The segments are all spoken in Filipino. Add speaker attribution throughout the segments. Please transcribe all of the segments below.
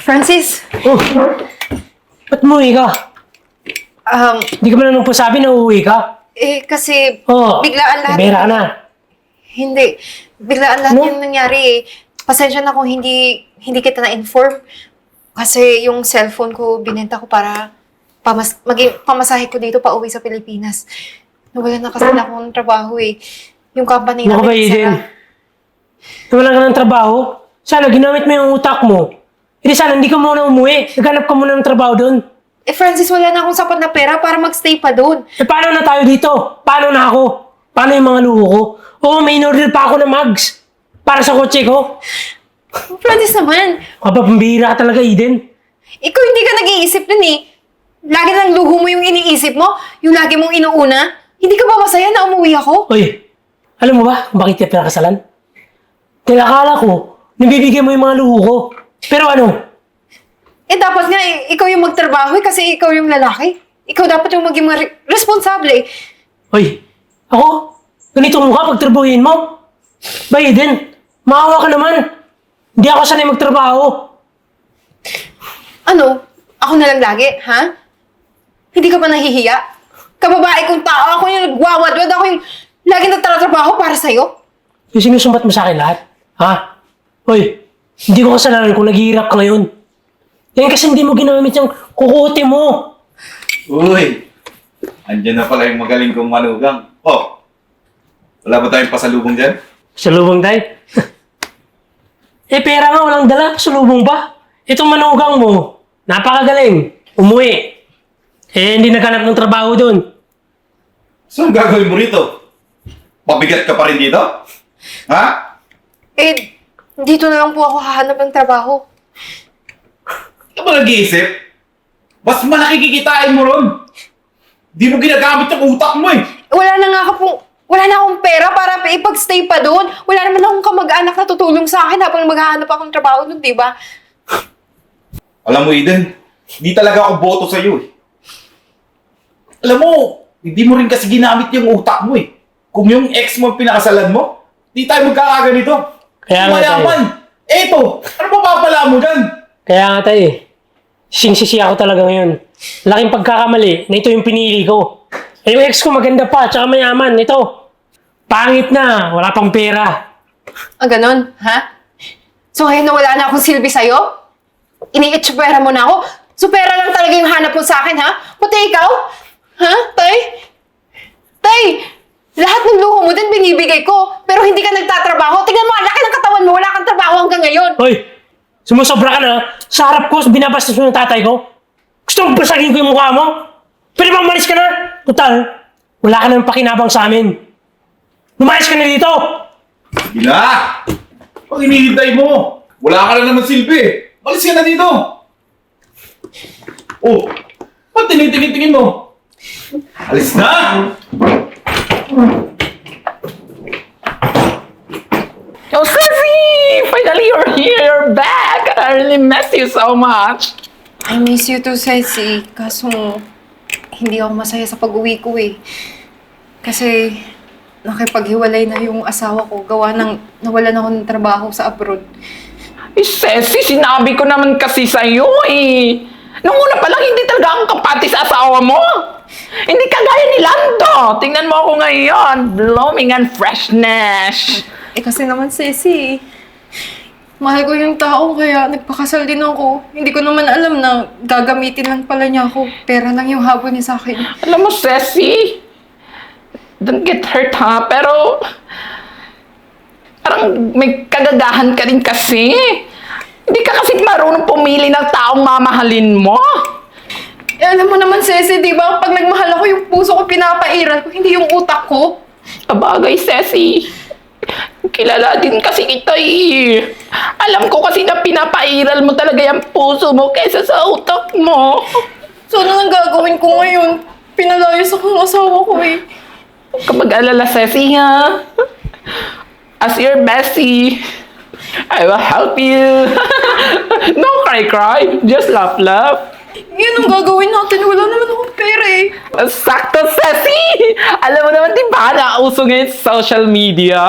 Speaker 1: Francis,
Speaker 2: Oh, ba't umuwi ka? Hindi ka man nang pasabi na uuwi ka?
Speaker 1: kasi
Speaker 2: Oh,
Speaker 1: biglaan lahat.
Speaker 2: bera ka na.
Speaker 1: Hindi. Biglaan lahat
Speaker 2: No?
Speaker 1: yung nangyari eh. Pasensya na kung hindi kita na-inform. Kasi yung cellphone ko, binenta ko para pamasahe ko dito pa uwi sa Pilipinas. Nawala na kasi na akong trabaho eh. Yung company
Speaker 2: Ano ka ba,
Speaker 1: namin,
Speaker 2: Eden?
Speaker 1: sara.
Speaker 2: Wala ka ng trabaho? Sana ginamit mo yung utak mo. Hindi sana hindi ka muna umuwi. Naghanap ka muna ng trabaho doon.
Speaker 1: Francis, wala na akong sapat na pera para magstay pa doon.
Speaker 2: Paano na tayo dito? Paano na ako? Paano yung mga luho ko? Oo, may in-order pa ako ng mugs. Para sa kotse ko.
Speaker 1: Francis naman,
Speaker 2: Pambihira ka talaga, Eden.
Speaker 1: ikaw hindi ka nag-iisip nun eh. Lagi lang luho mo yung iniisip mo, yung lagi mong inuuna. Hindi ka ba masaya na umuwi ako?
Speaker 2: Oy, alam mo ba kung bakit kita pinakasalan? Dahil akala ko, nabibigyan mo yung mga luho ko. Pero ano?
Speaker 1: Dapat nga, ikaw yung magtrabaho kasi ikaw yung lalaki. Ikaw dapat yung maging responsable.
Speaker 2: Oy, ako? Ganito mukha pagtrabahuin mo? Ba, Eden, maawa ka naman. Hindi ako sanay magtrabaho.
Speaker 1: Ano? Ako na lang lagi, ha? Hindi ka ba nahihiya? Kababae kong tao, ako yung nagwawadwad, ako yung lagi nagtatrabaho para sa'yo.
Speaker 2: Yung sinusumbat mo sa akin lahat. Ha? Oy, hindi ko kasalanan kung naghihirap ka ngayon. Yan kasi hindi mo ginamit yung kukote mo.
Speaker 3: Uy! Andiyan na pala yung magaling kong manugang. Oh! Wala ba tayong pasalubong dyan?
Speaker 2: Sa lubong tayo. Pera nga walang dala. Sa lubong ba? Itong manugang mo, napakagaling. Umuwi. Hindi naghanap ng trabaho doon.
Speaker 3: So, ang gagawin mo rito? Pabigat ka pa rin dito? Ha?
Speaker 1: Dito na lang po ako hahanap ng trabaho.
Speaker 3: Ka ba nag-iisip? Mas malaki kikitain mo ron. Di mo ginagamit yung utak mo eh.
Speaker 1: Wala na akong pera para ipag-stay pa doon. Wala naman akong kamag-anak na tutulong sa akin habang maghahanap akong trabaho doon, di ba?
Speaker 3: Alam mo, Eden, di talaga ako boto sa'yo eh. Alam mo, hindi mo rin kasi ginamit yung utak mo eh. Kung yung ex mo pinakasalan mo, di tayo magkakaganito.
Speaker 2: Kaya nga tayo.
Speaker 3: Mayaman. Eto, ano pa papala mo dyan?
Speaker 2: Kaya nga tayo eh. Singsisi ako talaga ngayon. Laking pagkakamali na ito yung pinili ko. Yung ex ko maganda pa, tsaka mayaman. Ito, pangit na, wala pang pera.
Speaker 1: Ganon, ha? So ngayon na wala na akong silbi sa'yo? Ini-itsupera mo na ako? Supera lang talaga yung hanap mo sa akin, ha? Pati ikaw? Ha, Tay? Tay! Lahat ng luho mo din binibigay ko, pero hindi ka nagtatrabaho. Tingnan mo, ang laki ng katawan mo, wala kang trabaho hanggang ngayon.
Speaker 2: Hoy, sumusobra ka na. Sa harap ko, binabastos mo ng tatay ko. Gusto mong basagin ko yung mukha mo? Pwede bang umalis ka na? Total, wala ka nang pakinabang sa amin. Lumayas ka na dito!
Speaker 3: Gila! Pag inihintay mo, wala ka na naman silbi. Alis ka na dito! Oh, ba't tinitingin-tingin mo? Alis na!
Speaker 4: Oh, Ceci! Finally, you're here! You're back! I really miss you so much!
Speaker 1: I miss you too, Ceci. Kaso, hindi ako masaya sa pag-uwi ko eh. Kasi, nakipaghiwalay na yung asawa ko. Gawa ng nawalan ako ng trabaho sa abroad.
Speaker 4: Eh, Ceci, sinabi ko naman kasi sa'yo eh. Nung una pa lang, hindi talaga akong kapati sa asawa mo. Hindi kagaya ni Lando. Tingnan mo ako ngayon. Blooming and freshness.
Speaker 1: Kasi naman, Ceci, mahal ko yung tao kaya nagpakasal din ako. Hindi ko naman alam na gagamitin lang pala niya ako. Pera lang yung habol niya sa akin.
Speaker 4: Alam mo, Ceci, don't get hurt ha, pero parang may kagagahan ka rin kasi. Hindi ka kasi marunong pumili ng taong mamahalin mo.
Speaker 1: Alam mo naman, Ceci, di ba? Pag nagmahal ako, yung puso ko pinapairal ko, hindi yung utak ko.
Speaker 4: Kabagay, Ceci. Kilala din kasi kita eh. Alam ko kasi na pinapairal mo talaga yung puso mo kaysa sa utak mo.
Speaker 1: So, ano nang gagawin ko ngayon? Pinalayas ako ng asawa ko eh.
Speaker 4: Huwag ka mag-alala, Ceci, ha? As your bestie, I will help you. No cry. Just laugh.
Speaker 1: Yan ang gagawin natin. Wala naman akong pera eh.
Speaker 4: Sakto, Ceci! Alam mo naman, di ba, nauso ngayon sa social media?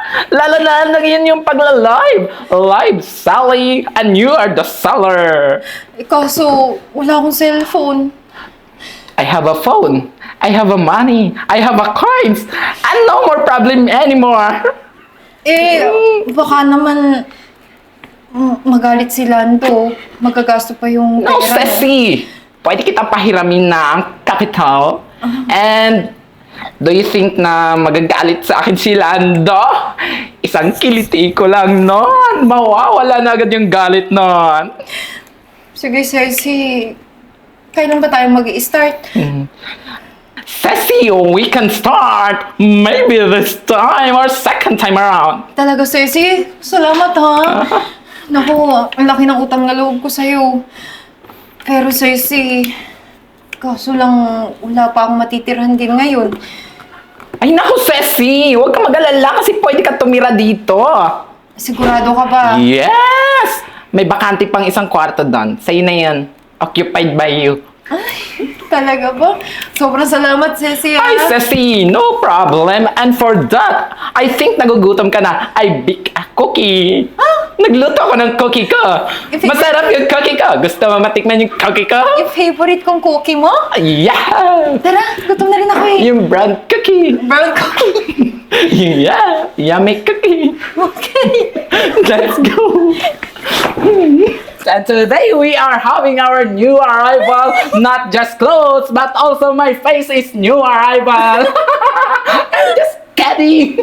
Speaker 4: Lalo na yun yung pagla-live. Live, Sally, and you are the seller.
Speaker 1: Eh, kaso, wala akong cellphone.
Speaker 4: I have a phone. I have a money. I have a coins. And no more problem anymore.
Speaker 1: Eh, baka naman magalit si Lando. Magagasto pa yung
Speaker 4: No,
Speaker 1: pera.
Speaker 4: Ceci. Pwede kita pahiramin ng capital. And do you think na magagalit sa akin si Lando? Isang kiliti ko lang nun. Mawawala na agad yung galit nun.
Speaker 1: Sige, Ceci. Kailan ba tayo mag-i-start?
Speaker 4: Ceci, we can start. Maybe this time or second time around.
Speaker 1: Talaga, Ceci? Salamat, ha? Naku, ang laki ng utang na loob ko sa'yo. Pero, Ceci, kaso lang wala pa akong matitirhan din ngayon.
Speaker 4: Ay naku, Ceci! Huwag ka mag-alala kasi pwede ka tumira dito.
Speaker 1: Sigurado ka ba?
Speaker 4: Yes! May bakante pang isang kwarto doon. Sa'yo na yan. Occupied by you.
Speaker 1: Talaga ba? Sobrang salamat, Ceci, ha?
Speaker 4: Ay, Ceci! No problem. And for that, I think nagugutom ka na. I bake a cookie. Nagluto ako ng cookie ko. Masarap yung cookie ko. Gusto mo matikman yung cookie ko?
Speaker 1: Yung favorite kong cookie mo?
Speaker 4: Yeah!
Speaker 1: Tara, gutom na rin ako eh.
Speaker 4: Yung brown cookie.
Speaker 1: Brown cookie.
Speaker 4: Yeah! Yummy cookie.
Speaker 1: Okay.
Speaker 4: Let's go! And today we are having our new arrival. Not just clothes, but also my face is new arrival. I'm just kidding.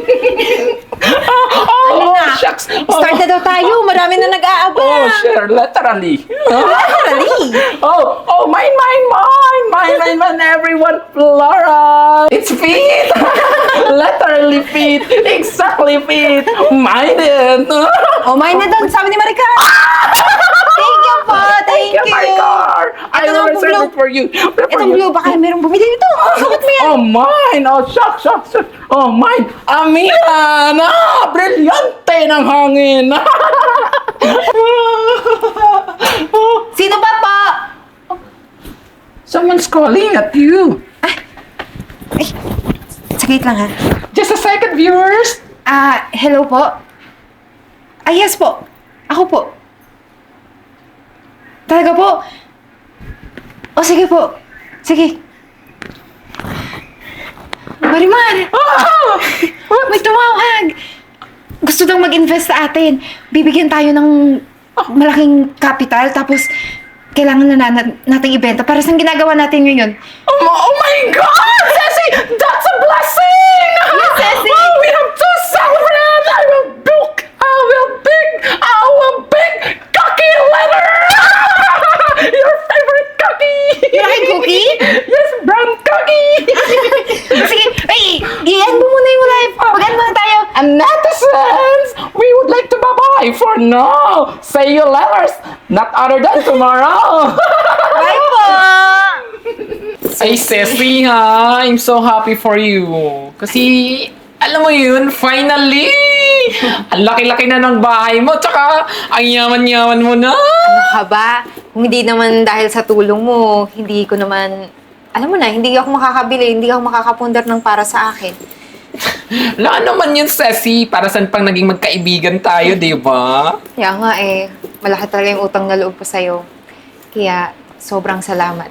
Speaker 1: Ano na?
Speaker 4: Shucks.
Speaker 1: Start na daw tayo. Marami na nag-aabang.
Speaker 4: Oh, sure. Literally.
Speaker 1: Dali.
Speaker 4: Mine, everyone. Flora. It's feet. Literally feet. Exactly feet. Mine it.
Speaker 1: Oh, mine na doon. Sabi ni Maricar. Thank you po. Thank you.
Speaker 4: my car. I
Speaker 1: Ito
Speaker 4: will
Speaker 1: ang
Speaker 4: reserve
Speaker 1: blue.
Speaker 4: it for you.
Speaker 1: Itong blue, baka merong bumili nito. Sukat mo yan.
Speaker 4: Oh, mine! Oh, shucks. Oh, mine! Amihan! Brilyante ng hangin!
Speaker 1: Sino ba po?
Speaker 4: Someone's calling at you.
Speaker 1: Ay, saglit lang ha.
Speaker 4: Just a second, viewers.
Speaker 1: Hello po? Yes po. Ako po. Talaga po? O, sige po. Sige. Marimar! May tumawag! Gusto daw mag-invest sa atin. Bibigyan tayo ng malaking capital, tapos kailangan na nating ibenta para sa ginagawa natin ngayon.
Speaker 4: Oh my God! Ceci! That's a blessing!
Speaker 1: Yes, Ceci!
Speaker 4: Oh, we have to celebrate! I will bake cookie letter! Your favorite cookie!
Speaker 1: Your favorite cookie?
Speaker 4: Yes, brown cookie!
Speaker 1: Sige, ay, i-end mo muna yung live. Mag-end muna tayo.
Speaker 4: And netizens, we would like to bye-bye for now. Say you letters, not other than tomorrow.
Speaker 1: Bye po!
Speaker 4: Ay, Ceci ha, I'm so happy for you. Kasi, alam mo yun, finally! Ang laki-laki na ng bahay mo, tsaka ang yaman-yaman mo na.
Speaker 1: Ano ka ba? Kung hindi naman dahil sa tulong mo, hindi ko naman, alam mo na, hindi ako makakabili, hindi ako makakapundar ng para sa akin.
Speaker 4: Wala naman yun, Ceci. Para saan pang naging magkaibigan tayo, di ba?
Speaker 1: Kaya nga eh, malaki talaga yung utang na loob ko sa'yo. Kaya, sobrang salamat.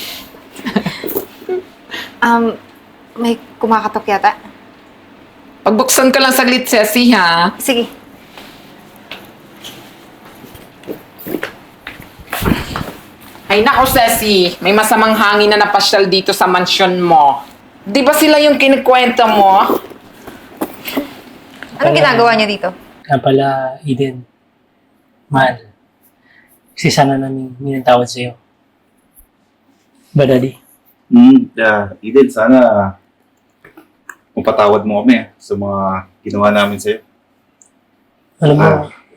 Speaker 1: May kumakatok yata?
Speaker 4: Pagbuksan ko lang saglit, Ceci, ha?
Speaker 1: Sige.
Speaker 4: Ay nako, Ceci. May masamang hangin na napasyal dito sa mansyon mo. Di ba sila yung kinikwento mo?
Speaker 1: Anong ginagawa niyo dito?
Speaker 2: Kaya pala, Eden. Mahal. Kasi sana namin minatawad sa'yo. Ba, Daddy?
Speaker 3: Eden, sana mapatawad mo kami sa mga ginawa namin sa'yo.
Speaker 2: Alam mo,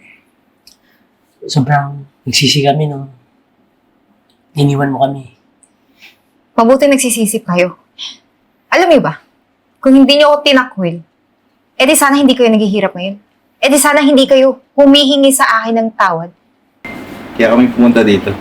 Speaker 2: sobrang nagsisi kami nung iniwan mo kami.
Speaker 1: Mabuti nagsisisip kayo. Alam niyo ba, kung hindi niyo ako tinakwil, edi sana hindi kayo naghihirap ngayon. Edi sana hindi kayo humihingi sa akin ng tawad.
Speaker 3: Kaya kami pumunta dito.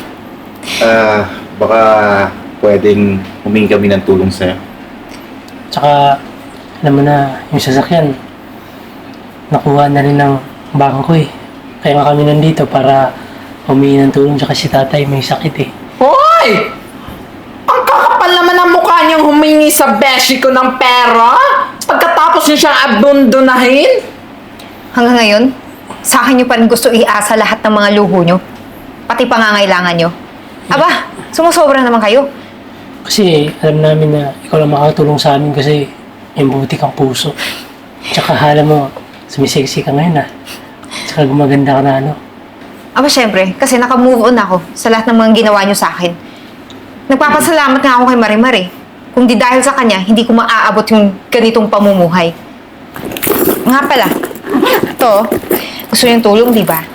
Speaker 3: Baka pwedeng humingi kami ng tulong sa'yo.
Speaker 2: Tsaka, alam mo na, yung sasakyan, nakuha na rin ng bangko eh. Kaya nga kami nandito para humingi ng tulong tsaka si tatay may sakit eh.
Speaker 4: Hoy! Ang kakapal naman ang mukha niyang humingi sa beshi ko ng pera pagkatapos niyo siyang abundunahin.
Speaker 5: Hanggang ngayon, sa akin nyo pa rin gusto iasa lahat ng mga luho nyo. Pati pangangailangan nyo. Aba, sumusobra naman kayo.
Speaker 2: Kasi alam namin na ikaw lang makakatulong sa amin kasi may buti kang puso. Tsaka hala mo, sumisexy ka ngayon ah. Tsaka gumaganda ka na ano.
Speaker 5: Aba, syempre, kasi naka-move on ako sa lahat ng mga ginawa nyo sa akin. Nagpapasalamat nga ako kay Marimar eh. Kung di dahil sa kanya, hindi ko maaabot yung ganitong pamumuhay. Nga pala, ito, gusto niyong tulong, di ba?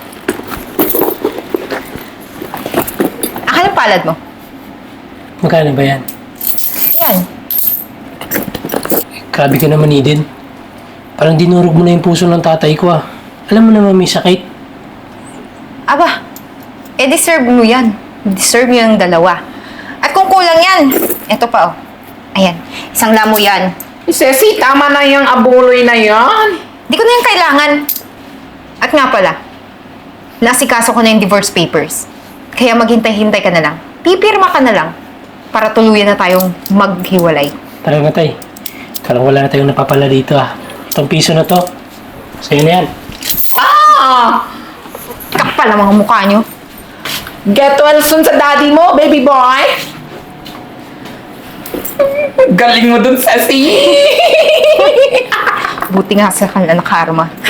Speaker 5: Akin ang palad mo.
Speaker 2: Magkano ba yan?
Speaker 5: Yan.
Speaker 2: Grabe ka naman, Eden. Parang dinurog mo na yung puso ng tatay ko ah. Alam mo naman may sakit.
Speaker 5: Aba, deserve mo yan. Deserve mo yung dalawa. At kung kulang yan, eto pa oh. Ayan, isang lamo yan.
Speaker 4: Ceci, tama na yung abuloy na yan.
Speaker 5: Di ko na yung kailangan. At nga pala, nasikaso ko na yung divorce papers. Kaya maghintay-hintay ka na lang. Pipirma ka na lang para tuluyan na tayong maghiwalay.
Speaker 2: Tara na tay. Parang wala na tayong napapala dito ah. Itong piso na to, sa'yo na yan.
Speaker 4: Ah!
Speaker 5: Kapal ang mga mukha nyo.
Speaker 4: Get well soon sa daddy mo, baby boy. Galing mo dun, Ceci.
Speaker 5: Buti nga sa kanila na karma.